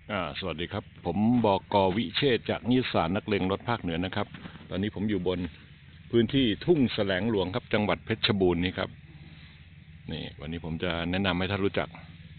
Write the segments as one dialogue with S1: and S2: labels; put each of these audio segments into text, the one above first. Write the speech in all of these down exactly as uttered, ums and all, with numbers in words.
S1: อ่าสวัสดีครับผมบก.วิเชษฐ์จากนิสสานนักเลงรถภาคเหนือนะครับตอนนี้ผมอยู่บนพื้นที่ทุ่งแสลงหลวงครับจังหวัดเพชรบูรณ์นี่ครับนี่วันนี้ผมจะแนะนำให้ท่านรู้จัก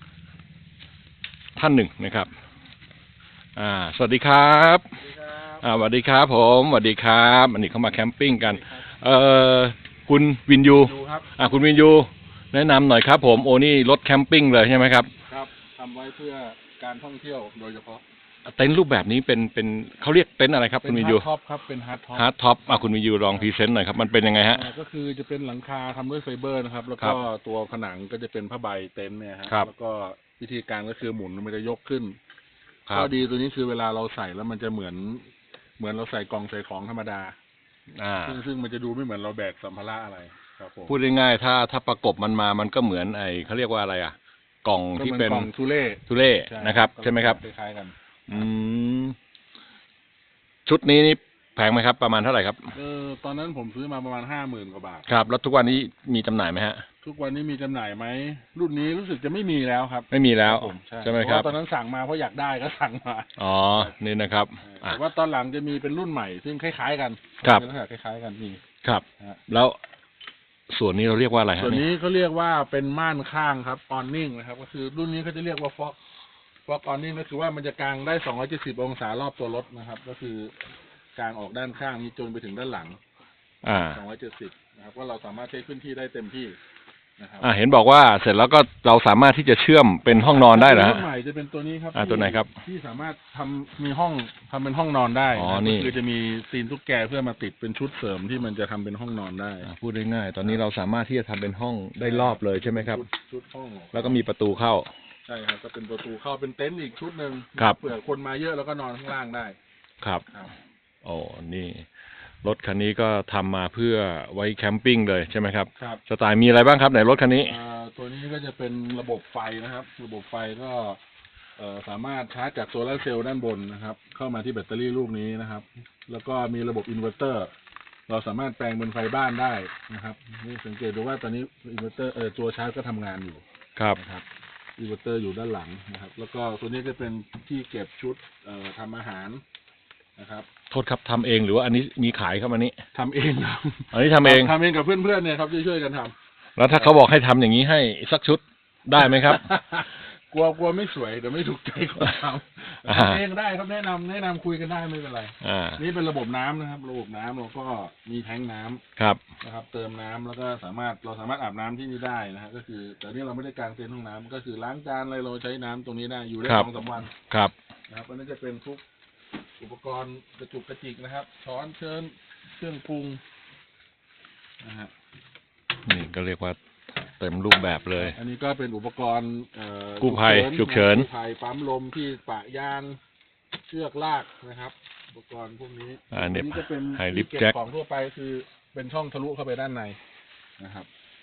S1: ท่านหนึ่งนะครับอ่าสวัสดีครับอ่าสวัสดีครับผมสวัสดีครับอันนี้เขามาแคมปิ้งกันเอ่อคุณวินยูอ่าคุณวินยูแนะนำหน่อยครับผมโอ้นี่รถแคมปิ้งเลยใช่ไหมครับ
S2: ครับทำไว้เพื่อการท่องเที่ยวโดยเฉพาะ
S1: เต็นท์รูปแบบนี้เป็นเป็นเขาเรียกเต็นท์อะไรครับคุณวินยู
S2: ฮาร์ดท็อปครับเป็นฮาร์ดท็อป
S1: ฮาร์ดท็อปอ่ะคุณวินยูลองพรีเซนต์หน่อยครับมันเป็นยังไงฮะ
S2: ก็คือจะเป็นหลังคาทำด้วยไฟเบอร์นะครับแล้วก็ตัวผนังก็จะเป็นผ้าใบเต็นท์เนี่ยฮะแล้วก็วิธีการก็คือหมุนมันจะยกขึ้นข้อดีตัวนี้คือเวลาเราใส่แล้วมันจะเหมือนเหมือนเราใส่กล่องใส่ของธรรมดา
S1: อ่า
S2: ซึ่งซึ่งมันจะดูไม่เหมือนเราแบกสัมภาระอะไรครับผม
S1: พูดง่ายๆถ้าถ้าประกบมันมามันก็เหมือนไอเขาเรียกว่าอะไรอ่ะกล่องที่เป็น
S2: กล่องทุเล่
S1: ทุเล่นะครับใช่ไหมครับ
S2: คล้ายๆกัน
S1: อืมชุดนี้นี่แพงไหมครับประมาณเท่าไหร่ครับ
S2: เออตอนนั้นผมซื้อมาประมาณห้าหมื่นกว่าบาท
S1: ครับแล้วทุกวันนี้มีจำหน่ายไหมฮะ
S2: ทุกวันนี้มีจำหน่ายไหมรุ่นนี้รู้สึกจะไม่มีแล้วครับ
S1: ไม่มีแล้ว
S2: ผมใ
S1: ช่ไหมครับ
S2: ตอนนั้นสั่งมาเพราะอยากได้ก็สั่งมา
S1: อ๋อนี่นะครับ
S2: แต่ว่าตอนหลังจะมีเป็นรุ่นใหม่ซึ่งคล้ายๆกัน
S1: ครับ
S2: เป็นลักษณะคล้ายๆกันนี่
S1: ครับแล้วส่วนนี้เราเรียกว่าอะไรฮะ
S2: ส่วนนี้เขาเรียกว่าเป็นม่านข้างครับออนนิ่งนะครับก็คือรุ่นนี้เขาจะเรียกว่าฟ็อกฟ็อกออนนิ่งก็คือว่ามันจะกางได้สองร้อยเจ็ดสิบองศารอบตัวรถนะครับก็คือกางออกด้านข้างนี้จนไปถึงด้านหลัง
S1: อ่า
S2: สองร้อยเจ็ดสิบนะครับว่าเราสามารถใช้พื้นที่ได้เต็มที่นะครับ
S1: อ่าเห็นบอกว่าเสร็จแล้วก็เราสามารถที่จะเชื่อมเป็นห้องนอนได้เหรอฮะ
S2: รุ่นใหม่จะเป็นตัวนี้ครับ
S1: อ่าตัวไหนครับ
S2: ที่สามารถทำมีห้องทำเป็นห้องนอนได้
S1: อ๋อนี่
S2: คือจะมีซีนตุ๊กแกเพื่อมาติดเป็นชุดเสริมที่มันจะทำเป็นห้องนอนได้
S1: พูดได้ง่ายตอนนี้เราสามารถที่จะทำเป็นห้องได้รอบเลยใช่ไหมครับ
S2: ชุดห้อง
S1: แล้วก็มีประตูเข้า
S2: ใช่ครับก็เป็นประตูเข้าเป็นเต็นท์อีกชุดหนึ่ง
S1: ครับ
S2: เผื่อคนมาเยอะแล้วก็นอนข้างล่างได้
S1: ครับโอ้นี่รถคันนี้ก็ทำมาเพื่อไว้แคมปิ้งเลยใช่ไหมครับ
S2: ครับ
S1: สไตล์มีอะไรบ้างครับไหนรถคันนี้
S2: ตัวนี้ก็จะเป็นระบบไฟนะครับระบบไฟก็สามารถชาร์จจากโซลาร์เซลล์ด้านบนนะครับเข้ามาที่แบตเตอรี่ลูกนี้นะครับแล้วก็มีระบบอินเวอร์เตอร์เราสามารถแปลงเป็นไฟบ้านได้นะครับนี่สังเกตดูว่าตอนนี้อินเวอร์เตอร์เออตัวชาร์จก็ทำงานอยู่
S1: ครับ
S2: นะครับอินเวอร์เตอร์อยู่ด้านหลังนะครับแล้วก็ตัวนี้จะเป็นที่เก็บชุดเอ่อทำอาหารนะครับ
S1: โทษครับทำเองหรือว่าอันนี้มีขายครับอันนี้
S2: ทำเองครับ
S1: อันนี้ทำเอง
S2: ทำเองกับเพื่อนๆเนี่ยครับช่วยๆกันทำ
S1: แล้วถ้าเขาบอกให้ทำอย่างนี้ให้สักชุดได้ไหมครับ
S2: กลัวกลัวไม่สวยเดี๋ยวไม่ถูกใจคนทำทำเองได้ครับแนะนำแนะนำคุยกันได้ไม่เป็นไรนี่เป็นระบบน้ำนะครับระบบน้ำเราก็มีแทงน้ำ
S1: ครับ
S2: นะครับเติมน้ำแล้วก็สามารถเราสามารถอาบน้ำที่นี่ได้นะฮะก็คือแต่นี่เราไม่ได้กางเต็นท์ห้องน้ำก็คือล้างจานอะไรเราใช้น้ำตรงนี้ได้อยู่ได้สองสามวัน
S1: ครับ
S2: นะครับอันนี้จะเป็นทุกอุปกรณ์กระจุกกระจิกนะครับช้อนเชิญเครื่องปรุงนะฮะ
S1: นี่ก็เรียกว่าเต็มรูปแบบเลย
S2: อันนี้ก็เป็นอุปกรณ์
S1: กู้ภัยฉุกเฉิน
S2: กู้ภัยปั๊มลมที่ปะยางเชือกลากนะครับอุปกรณ์พวกนี้
S1: อันนี้
S2: ก็เป็น
S1: ไฮลิฟต์
S2: เก็บ
S1: แจ็ค
S2: ของทั่วไปคือเป็นช่องทะลุเข้าไปด้านในนะครับ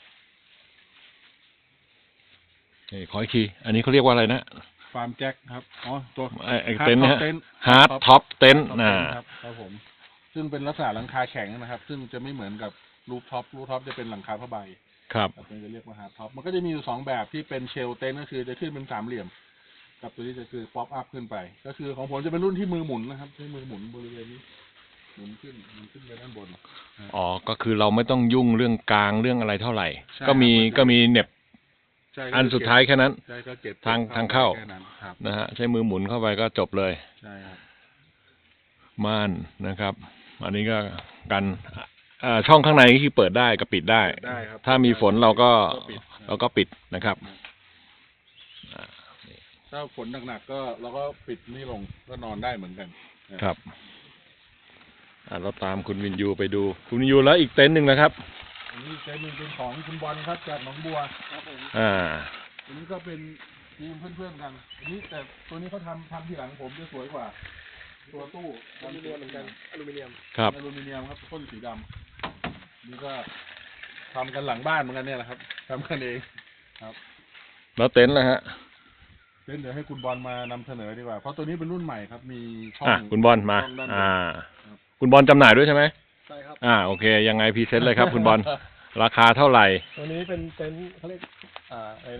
S1: นี่ขออีกทีอันนี้เขาเรียกว่าอะไรนะ
S2: ฟาร์มแจ็คครับอ๋อตัว
S1: ไอเต็นท์เนี่ยฮาร์ดท็อปเต็นท์
S2: นะครับครับผมซึ่งเป็นลักษณะหลังคาแข็งนะครับซึ่งจะไม่เหมือนกับรูฟท็อปรูฟท็อปจะเป็นหลังคาผ้าใบ
S1: ครับ
S2: มันจะเรียกว่าฮาร์ดท็อปมันก็จะมีอยู่สองแบบที่เป็นเชลเต็นท์ก็คือจะขึ้นเป็นสามเหลี่ยมกับตัวนี้จะคือป๊อปอัพขึ้นไปก็คือของผมจะเป็นรุ่นที่มือหมุนนะครับใช้มือหมุนบริเวณนี้หมุนขึ้นหมุนขึ้นไปด้านบน
S1: อ๋อก็คือเราไม่ต้องยุ่งเรื่องกลางเรื่องอะไรเท่าไหร่ก็มีก็มีเน็บอันสุดท้ายแค่นั้นทางทางเข้านะฮะใช้มือหมุนเข้าไปก็จบเลย
S2: ใช่ครับ
S1: ม่านนะครับ อันนี้ก็กันช่องข้างในที่เปิดได้ก็ปิดได้ถ้ามีฝนเราก็เราก็ปิดนะครับ
S2: ถ้าฝนหนักๆก็เราก็ปิดนี่ลงก็นอนได้เหมือนกัน
S1: ครับเราตามคุณวินยูไปดูคุณวินยูแล้วอีกเต็นท์หนึ่งนะครับ
S2: อันนี้เต็นท์หนึ่งเป็นของคุณบอลครับจากหนองบัวครับผม
S1: อ่า
S2: อันนี้ก็เป็นทีมเพื่อนๆกันอันนี้แต่ตัวนี้เขาทำทำที่หลังผมจะสวยกว่าตัวตู้อลูมิเนียมเหมือนกันอลูมิเนียม
S1: ครับ
S2: อลูมิเนียมครับพ่นสีดำนี่ก็ทำกันหลังบ้านเหมือนกันเนี่ยแหละครับทำกันเองครับ
S1: แล้วเต็นท์ล่ะฮะ
S2: เต็นท์เดี๋ยวให้คุณบอลมานำเสนอดีกว่าเพราะตัวนี้เป็นรุ่นใหม่ครับมีช่อง
S1: คุณบอลมาอ่าคุณบอลจำหน่ายด้วยใช่ไหม
S2: ใช่ครับ
S1: อ่าโอเคยังไงพรีเซนต์เลยครับคุณบอลราคาเท่าไหร่
S3: ตัวนี้เป็นเต็นท์เขาเรียกอ่าอะไรนะ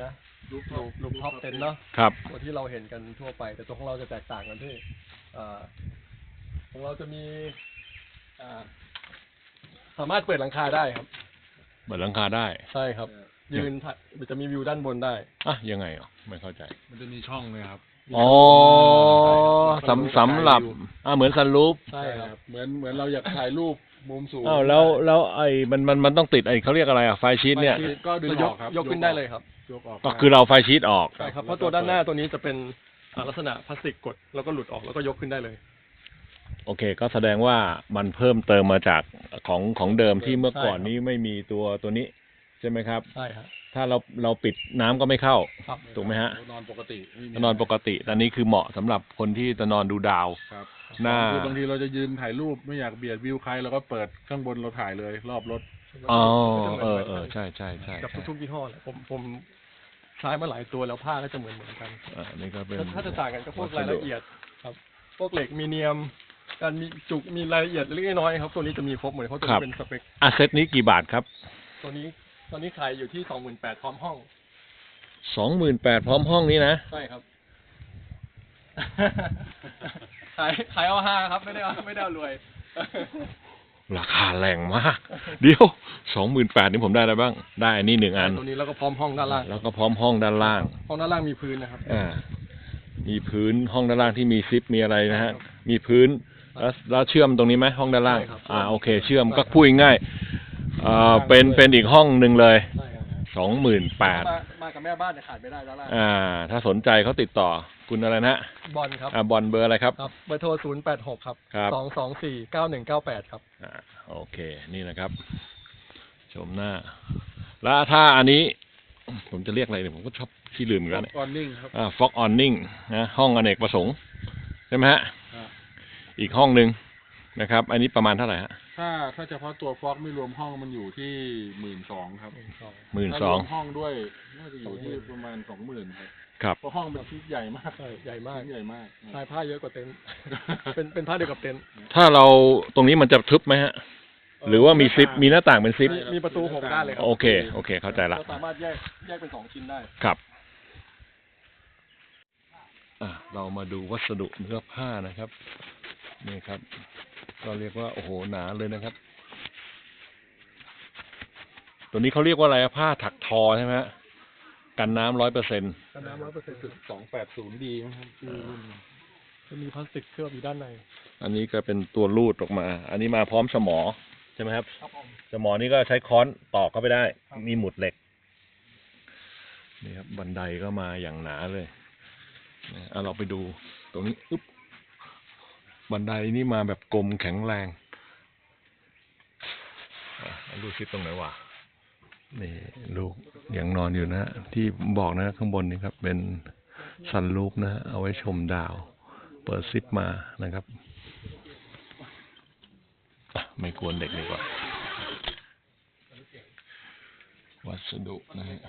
S3: ลูกลูกท็อปเต็นเนาะ
S1: ครับ
S3: ตัวที่เราเห็นกันทั่วไป แต่ตัวของเราจะแตกต่างกันที่อ่าของเราจะมีอ่าสามารถเปิดหลังคาได้ครับ
S1: เปิดหลังคาได้
S3: ใช่ครับ ยืนถ่ายมันจะมีวิวด้านบนได้
S1: อ่ะยังไงอ่ะไม่เข้าใจ
S2: มันจะมีช่องเลยครับ
S1: อ๋อสำสำหรับอ่าเหมือนซันรูฟ
S3: ใช่ครับ
S2: เหมือนเหมือนเราอยากถ่ายรูปมุมสูง
S1: อ้าวแล้วแล้วไอ้มันมันมันต้องติดไอ้เขาเรียกอะไรอ่ะไฟชีตเนี่ย
S2: ก็ดึง
S3: ย
S2: อก อกครับ
S3: ยกขึ้นได้เลยครับ
S2: ยกออก
S1: ก็คือเราไฟชีตออก
S3: ใช่ครับ เพราะตัวด้านหน้าตัวนี้จะเป็นอ่าลักษณะพลาสติกกดแล้วก็หลุดออกแล้วก็ยกขึ้นได้เลย
S1: โอเค ก็แสดงว่ามันเพิ่มเติมมาจากของของเดิมที่เมื่อก่อน
S3: ใช่ครับ
S1: นี้ไม่มีตัวตัวนี้ใช่ไหมครับ
S3: ใช่ครับ
S1: ถ้าเราเราปิดน้ำก็ไม่เข้า
S3: ครับ
S1: ถูกไหมฮะ
S2: นอนปกติไม่มี
S1: นอนปกติแต่นี้คือเหมาะสำหรับคนที่จะนอนดูดาว
S2: ครับ
S1: หน้า
S2: คือบางทีเราจะยืนถ่ายรูปไม่อยากเบียดวิวใครเราก็เปิดข้างบนเราถ่ายเลย รอบรถ
S1: อ๋อเออเออใช่ใช่ใช่
S3: กับ
S1: ใช่
S3: ทุกๆยี่ห้อเลยผมผมใช้มาหลายตัวแล้วผ้าก็จะเหมือนเหมือนกัน
S1: อ่านี่ก็เป็น
S3: ถ้าจะต่างกันก็พวกรายละเอียดครับ พวกเหล็กมีเนียม การมีจุกมีรายละเอียดเล็กๆน้อยๆครับ ตัวนี้จะมีครบหมดเลยเพราะตัวนี้เป็นสเปค
S1: อาเซตนี้กี่บาทครับ
S3: ตัวนี้ตอนนี้ขายอยู่ที่สองหมื่นแปดพร้อมห้อง
S1: สองหมื่นแปดพร้อมห้องนี้นะ
S3: ใช่ครับ ขายขายเอาห้าครับ ไม่ได้เอาไม่ได้เอารวย
S1: ราคาแรงมาก เดี๋ยวสองหมื่นแปดนี่ผมได้อะไรบ้าง ได้อันนี้หนึ่งอัน
S3: ตัวนี้แล้วก็พร้อมห้องด้านล่าง
S1: แล้วก็พร้อมห้องด้านล่าง
S3: ห้องด้านล่างมีพื้นนะครับ
S1: อ่า มีพื้นห้องด้านล่างที่มีซิปมีอะไรนะฮะ มีพื้น แล้วแล้วเชื่อมตรงนี้ไหมห้องด้านล่าง
S3: ใช่ครับ
S1: อ่าโอเค เชื่อมก็พูดง่ายๆอ่าเป็นเป็นอีกห้องหนึ่งเลย
S3: ใช่ครับ
S1: สองหมื่นแปด
S3: มามากับแม่บ้านเนี่ยขาดไม่ได้ด้านล่าง
S1: อ่า ถ้าสนใจเขาติดต่อคุณอะไรนะ
S3: บอลครับ
S1: อ่าบอลเบอร์อะไรครับ
S3: ครับเบอร์โทรศูนย์แปดหกครับ
S1: ครับ
S3: สองสองสี่เก้าหนึ่งเก้าแปดครับ
S1: อ่าโอเค นี่นะครับ ชมหน้า แล้วถ้าอันนี้ ผมจะเรียกอะไรเนี่ยผมก็ชอบที่ลืมอีกแล้วเนี่ย
S2: ออนนิ่งครับ
S1: อ่าฟ็อกออนนิ่งนะห้องอเนกประสงค์ใช่ไหมฮะ
S2: ครับ
S1: อีกห้องหนึ่งนะครับ อันนี้ประมาณเท่าไหร่ฮะ
S2: ถ้าถ้าเฉพาะตัวฟอกไม่รวมห้องมันอยู่ที่หมื่นสองครับ
S1: หมื่น
S2: ถ้า
S1: ส
S2: ร
S1: อง
S2: วมห้องด้วยน่าจะอยู่ที่ประมาณสองหมื่นครับ
S1: ครับ
S2: เพราะห้องเป็นชิ้นใหญ่มาก
S3: ใช่ใหญ่มาก
S2: ชิ้นใหญ่มาก
S3: ลายผ้าเยอะกว่าเต็นท์ เป็นเป็นผ้าเดียวกับเต็นท์
S1: ถ้าเราตรงนี้มันจะทึบไหมฮะ หรือว่ามีซิป มีหน้าต่างเป็นซิป
S3: มีมีประตูหกด้านเลยครั
S1: โอเค โอเค เข้าใจละ
S3: เราสามารถแยกแยกเป็นสองชิ้นได้
S1: ครับอ่ะเรามาดูวัสดุเนื้อผ้านะครับ นี่ครับ ก็เรียกว่าโอ้โหหนาเลยนะครับ ตัวนี้เขาเรียกว่าอะไรอะผ้าถักทอใช่ไหมฮะ กันน้ำร้อยเปอร์เซ็นต์
S3: กันน้ำร้อยเปอร์เซ็นต์
S2: สองแปดศูนย์ดีนะครับชื่อรุ่น
S3: จะมีพลาสติกเคลือบอยู่ด้านใน
S1: อันนี้ก็เป็นตัวรูดออกมา อันนี้มาพร้อมสมอใช่ไหมครับ
S3: ครับผม
S1: สมอนี่ก็ใช้ค้อนตอกเข้าไปได้ มีหมุดเหล็ก นี่ครับบันไดก็มาอย่างหนาเลยนะเอาเราไปดูตรงนี้อึ๊บบันไดนี่มาแบบกลมแข็งแรงอ่ะเอาดูซิตรงไหนวะนี่ลูกยังนอนอยู่นะ ที่บอกนะข้างบนนี่ครับ เป็นซันรูฟนะ เอาไว้ชมดาว เปิดซิปมานะครับอ่ะไม่กวนเด็กดีกว่า วัสดุนะฮะ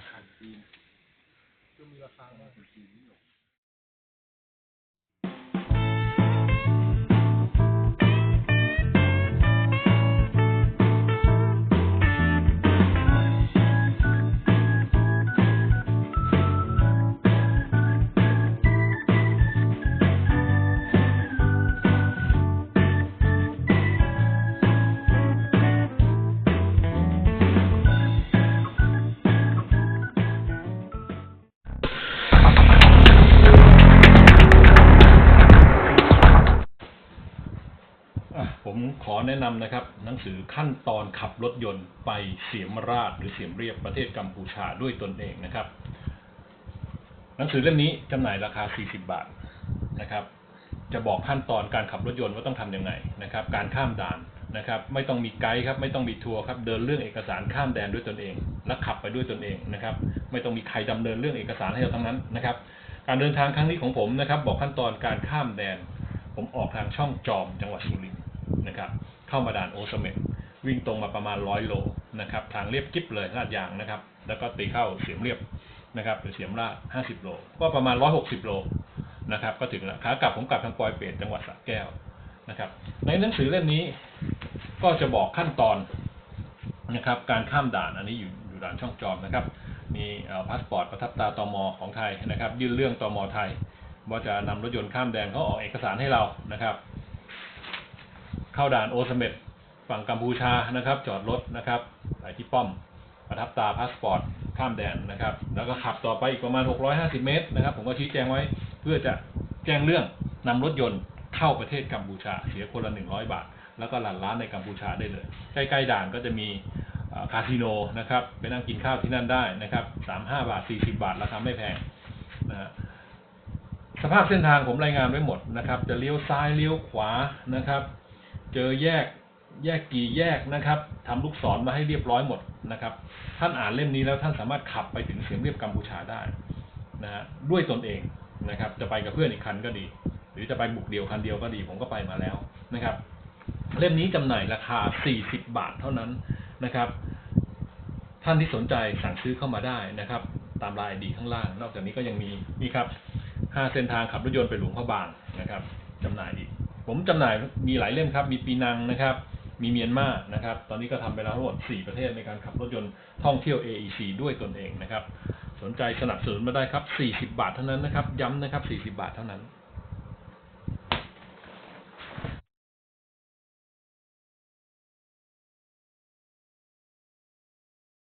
S1: อ่ะผมขอแนะนำนะครับ หนังสือขั้นตอนขับรถยนต์ไปเสียมราชหรือเสียมเรียบประเทศกัมพูชาด้วยตนเองนะครับ หนังสือเล่มนี้จำหน่ายราคาสี่สิบบาทนะครับ จะบอกขั้นตอนการขับรถยนต์ว่าต้องทำยังไงนะครับ การข้ามด่านนะครับ ไม่ต้องมีไกด์ครับ ไม่ต้องมีทัวร์ครับ เดินเรื่องเอกสารข้ามแดนด้วยตนเอง และขับไปด้วยตนเองนะครับ ไม่ต้องมีใครดำเนินเรื่องเอกสารให้เราทั้งนั้นนะครับ การเดินทางครั้งนี้ของผมนะครับ บอกขั้นตอนการข้ามแดน ผมออกทางช่องจอมจังหวัดสุรินทร์นะครับ เข้ามาด่านโอเสเม็ดวิ่งตรงมาประมาณร้อยโลนะครับ ทางเรียบกิ๊บเลยลาดยางนะครับ แล้วก็ตีเข้าเสียมเรียบนะครับหรือเสียมราชห้าสิบโลก็ประมาณร้อยหกสิบโลนะครับ ก็ถึงแล้วขากลับผมกลับทางปอยเปรตจังหวัดสระแก้วนะครับ ในหนังสือเล่มนี้ก็จะบอกขั้นตอนนะครับ การข้ามด่านอันนี้อยู่อยู่ด่านช่องจอมนะครับมีพาสปอร์ตประทับตราตม.ของไทยนะครับยื่นเรื่องตม.ไทยว่าจะนำรถยนต์ข้ามแดนเขาออกเอกสารให้เรานะครับ เข้าด่านโอเสเม็ดฝั่งกัมพูชานะครับจอดรถนะครับไปที่ป้อมประทับตราพาสปอร์ตข้ามแดนนะครับแล้วก็ขับต่อไปอีกประมาณหกร้อยห้าสิบเมตรนะครับผมก็ชี้แจงไว้เพื่อจะแจ้งเรื่องนำรถยนต์เข้าประเทศกัมพูชาเสียคนละหนึ่งร้อยบาทแล้วก็หลั่นร้านในกัมพูชาได้เลยใกล้ๆด่านก็จะมีคาสิโนนะครับไปนั่งกินข้าวที่นั่นได้นะครับสามสิบห้าบาทสี่สิบบาทราคาไม่แพงนะฮะสภาพเส้นทางผมรายงานไว้หมดนะครับจะเลี้ยวซ้ายเลี้ยวขวานะครับเจอแยกแยกกี่แยกนะครับทำลูกศรมาให้เรียบร้อยหมดนะครับท่านอ่านเล่มนี้แล้วท่านสามารถขับไปถึงเสียมเรียบกัมพูชาได้นะฮะด้วยตนเองนะครับจะไปกับเพื่อนอีกคันก็ดีหรือจะไปบุกเดี่ยวคันเดียวก็ดีผมก็ไปมาแล้วนะครับเล่มนี้จำหน่ายราคาสี่สิบบาทเท่านั้นนะครับท่านที่สนใจสั่งซื้อเข้ามาได้นะครับตามรายดีข้างล่างนอกจากนี้ก็ยังมีนี่ครับห้าเส้นทางขับรถยนต์ไปหลวงพระบางนะครับจำหน่ายอีกผมจำหน่ายมีหลายเล่มครับมีปีนังนะครับมีเมียนมานะครับตอนนี้ก็ทำไปแล้วทั้งหมดสี่ประเทศในการขับรถยนต์ท่องเที่ยว เอ อี ซี ด้วยตนเองนะครับสนใจสนับสนุนมาได้ครับสี่สิบบาทเท่านั้นนะครับย้ำนะครับสี่สิบบาทเท่านั้น